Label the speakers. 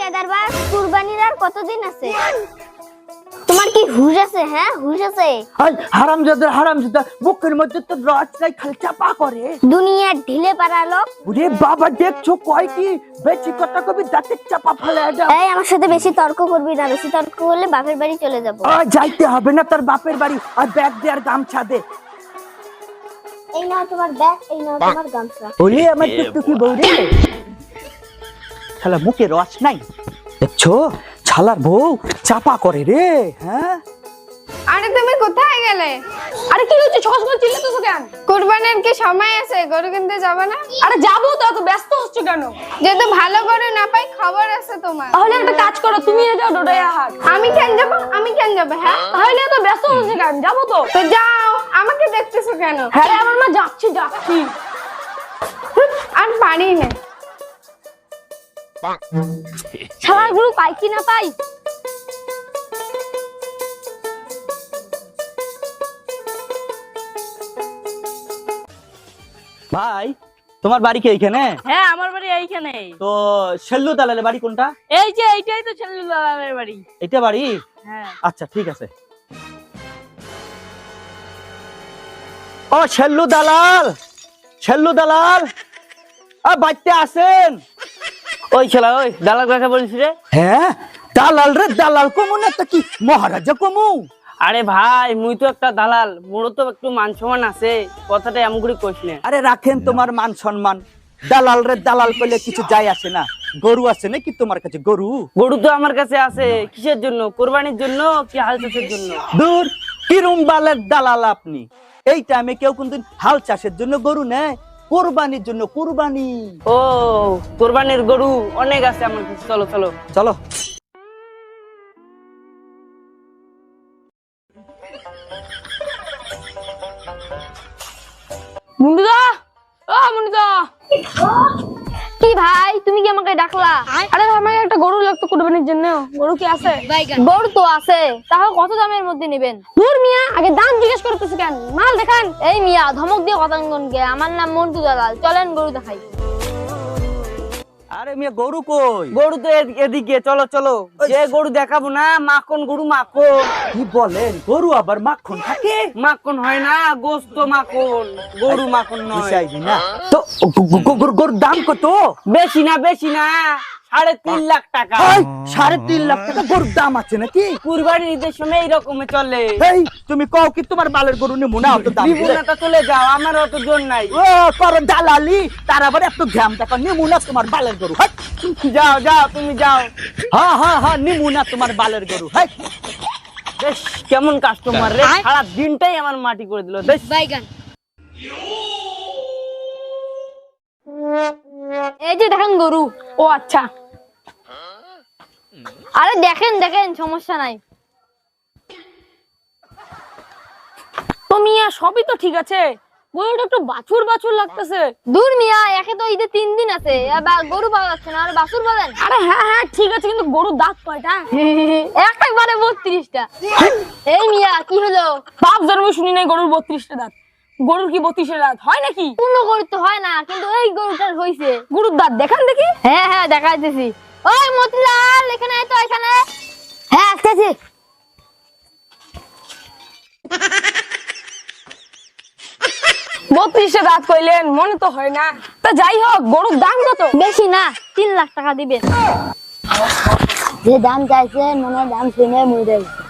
Speaker 1: বেয়াদারবার কুরবানির আর কতদিন আছে? তোমার কি হুশ আছে? হ্যাঁ হুশ আছে?
Speaker 2: হারামজাদা বুকের মধ্যে তো রস নাই, খালি চাপা করে।
Speaker 1: দুনিয়ার ঢিলে পাড়া লোক।
Speaker 2: ওরে বাবা, দেখছো কয় কি বেশি কথা কবি দাঁতে চাপা ফেলে দাও।
Speaker 1: এই আমার সাথে বেশি তর্ক করবি না, বেশি তর্ক করলে বাপের বাড়ি চলে যাব।
Speaker 2: যাইতে হবে না তোর বাপের বাড়ি, আর ব্যাগ দে আর গামছা দে।
Speaker 1: এই নাও তোমার ব্যাগ, এই নাও তোমার গামছা।
Speaker 2: ওরে আমার টুকটুকি বউ রে, শালা মুখে রস নাই, দেখছো শালার বউ চাপা করে রে। হ্যাঁ
Speaker 3: আরে তুমি কোথায় গেলে? আরে কি হচ্ছে, চশমা চিল্লাতেছো কেন? কুরবানির কি সময় আছে? গরু কিনতে যাবে না? আরে যাবো তো, এত ব্যস্ত হচ্ছ কেন? যেহেতু ভালো গরু না পাই, খবর আছে তোমার। তাহলে একটা কাজ করো, তুমি যাও ডোডাইয়া হাট। আমি কেন যাব? হ্যাঁ তাহলে এত ব্যস্ত হচ্ছে কেন? যাবো তো। তো যাও, আমাকে দেখতেছো কেন? হ্যাঁ আমার মা, যাচ্ছি। আর পারি না।
Speaker 1: শালার গরু পাই কি না পাই?
Speaker 2: ভাই, তোমার বাড়ি কি এইখানে?
Speaker 4: হ্যাঁ আমার বাড়ি এইখানে।
Speaker 2: তো শেল্লু দালালের বাড়ি কোনটা?
Speaker 4: এই যে এইটাই তো ছেলের বাড়ি।
Speaker 2: এটা বাড়ি?
Speaker 4: হ্যাঁ।
Speaker 2: আচ্ছা ঠিক আছে। ও শেল্লু দালাল বাড়িতে আসেন।
Speaker 4: ওই ছেলা, ওই দালাল কাকে বলছিস রে?
Speaker 2: হ্যাঁ দালাল রে, দালাল কমু না তো কি মহারাজা কমু?
Speaker 4: আরে ভাই, মুই তো একটা দালাল, মোরও তো একটু মান সম্মান আছে, কথাটা এমন করে কইস না।
Speaker 2: আরে রাখেন তোমার মান সম্মান, দালাল রে দালাল কইলে কিছু যায় আসে না। গরু আছে নাকি তোমার কাছে?
Speaker 4: গরু তো আমার কাছে আছে। কিসের জন্য? কোরবানির জন্য কি হাল চাষের জন্য?
Speaker 2: দূর, কিরম বালের দালাল আপনি? এই টাইমে কেউ কোনদিন হাল চাষের জন্য গরু নেয়? কোরবানির জন্য। কোরবানি?
Speaker 4: ও, কোরবানির গরু অনেক আছে আমার কাছে। চলো চলো
Speaker 2: চলো।
Speaker 3: মুন্ডুদা, মুন্ডুদা।
Speaker 1: কি ভাই, তুমি কি আমাকে ডাকলা?
Speaker 3: আরে আমাকে একটা গরু লাগতো কুরবানির জন্য। গরু কি আছে?
Speaker 1: গরু তো আছে, তাহলে কত দামের মধ্যে নেবেন?
Speaker 3: দূর মিয়া, আগে দাম জিজ্ঞেস করতেছ কেন? মাল দেখান।
Speaker 1: এই মিয়া, ধমক দিয়ে কথা কে? আমার নাম মন্টু দালাল, চলেন গরু দেখাই।
Speaker 2: আরে মিয়া, গরু কই?
Speaker 4: গরু তো এদিকে, চলো চলো। যে গরু দেখাবো না, মাখন গরু। মাখন?
Speaker 2: কি বলেন, গরু আবার মাখন থাকে?
Speaker 4: মাখন হয় না, গোস্ত মাখন, গরু মাখন নয়।
Speaker 2: বুঝাইবি না তো। গরুর দাম কত?
Speaker 4: বেশি না 3.5 লাখ টাকা।
Speaker 2: 3.5 লাখ টাকা গরুর দাম আছে নাকি?
Speaker 4: কুরবানির ঈদের সময় এইরকম চলে।
Speaker 2: এই তুমি কও কি তোমার বালের গরু নিমু না? অত দাম দিলে?
Speaker 4: বিপুলটা চলে যাও, আমার অত জোর নাই।
Speaker 2: ও করো দালালি, তার আবার এত ঘাম দেখো। নিমু না তোমার বালের গরু। হাই,
Speaker 4: যাও যাও, তুমি যাও।
Speaker 2: হ্যাঁ নিমু না তোমার বালের গরু। হাই,
Speaker 4: বেশ, কেমন কাস্টমার রে, সারা দিনটাই আমার মাটি করে দিল। বেশ,
Speaker 1: এই যে দেখেন গরু।
Speaker 3: ও আচ্ছা।
Speaker 1: আরে দেখেন সমস্যা নাই।
Speaker 3: তো মিয়া, সবই তো ঠিক আছে, গরুটা একটু বাছুর লাগতেছে।
Speaker 1: দূর মিয়া, একে তো ঈদের 3 দিন আছে, এবার গরু পাওয়া যাচ্ছে না, আর বাছুর বলেন?
Speaker 3: আরে হ্যাঁ ঠিক আছে, কিন্তু গরুর দাঁত কয়টা?
Speaker 1: একবারে 32টা। এই মিয়া, কি হলো?
Speaker 3: বাপ জন্মে শুনি নাই গরুর 32টা দাঁত। গরুর কি 32 দাঁত হয় নাকি?
Speaker 1: পূর্ণ গরু তো হয় না, কিন্তু এই গরুটার হইছে।
Speaker 3: গরুর দাঁত দেখান দেখি।
Speaker 1: হ্যাঁ দেখাইতেছি। ওই মতিলাল, এখানে আয় তো, এখানে। হ্যাঁ আসতেছি।
Speaker 3: 32টা দাঁত কইলেন, মনে তো হয় না। তা যাই হোক, গরুর দাম কত?
Speaker 1: বেশি না, 3 লাখ টাকা দিবেন। যে দাম চাইছে, মনে দাম শুনে মরে